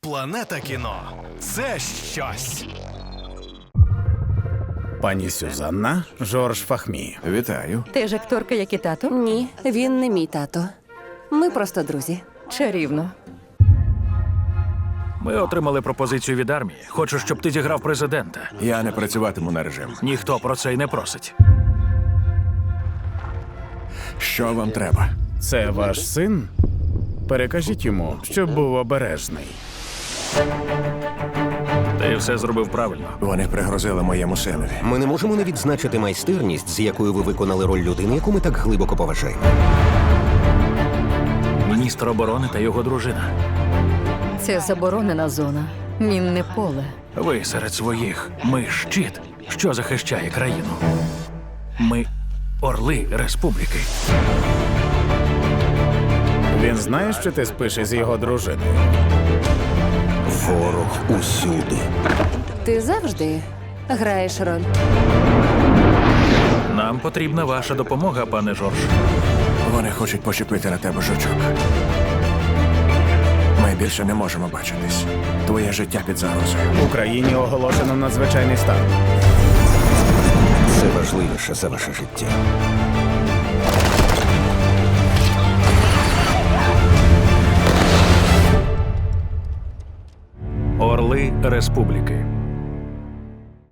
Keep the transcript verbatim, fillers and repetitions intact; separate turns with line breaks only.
Планета кіно – це щось.
Пані Сюзанна, Жорж Фахмі.
Вітаю.
Ти ж акторка, як і тато?
Ні, він не мій тато. Ми просто друзі.
Чарівно.
Ми отримали пропозицію від армії. Хочу, щоб ти зіграв президента.
Я не працюватиму на режим.
Ніхто про це й не просить.
Що вам треба?
Це ваш син? Перекажіть йому, щоб був обережний.
Ти все зробив правильно.
Вони пригрозили моєму синові.
Ми не можемо не відзначити майстерність, з якою ви виконали роль людини, яку ми так глибоко поважаємо.
Міністр оборони та його дружина.
Це заборонена зона. Мінне поле.
Ви серед своїх. Ми щит, що захищає країну. Ми орли республіки.
Він знає, що ти спиш із його дружиною?
Ворог усюди.
Ти завжди граєш роль.
Нам потрібна ваша допомога, пане Жорж.
Вони хочуть почепити на тебе жучок. Ми більше не можемо бачитись. Твоє життя під загрозою.
В Україні оголошено надзвичайний стан.
Це важливіше за ваше життя.
Орли республіки.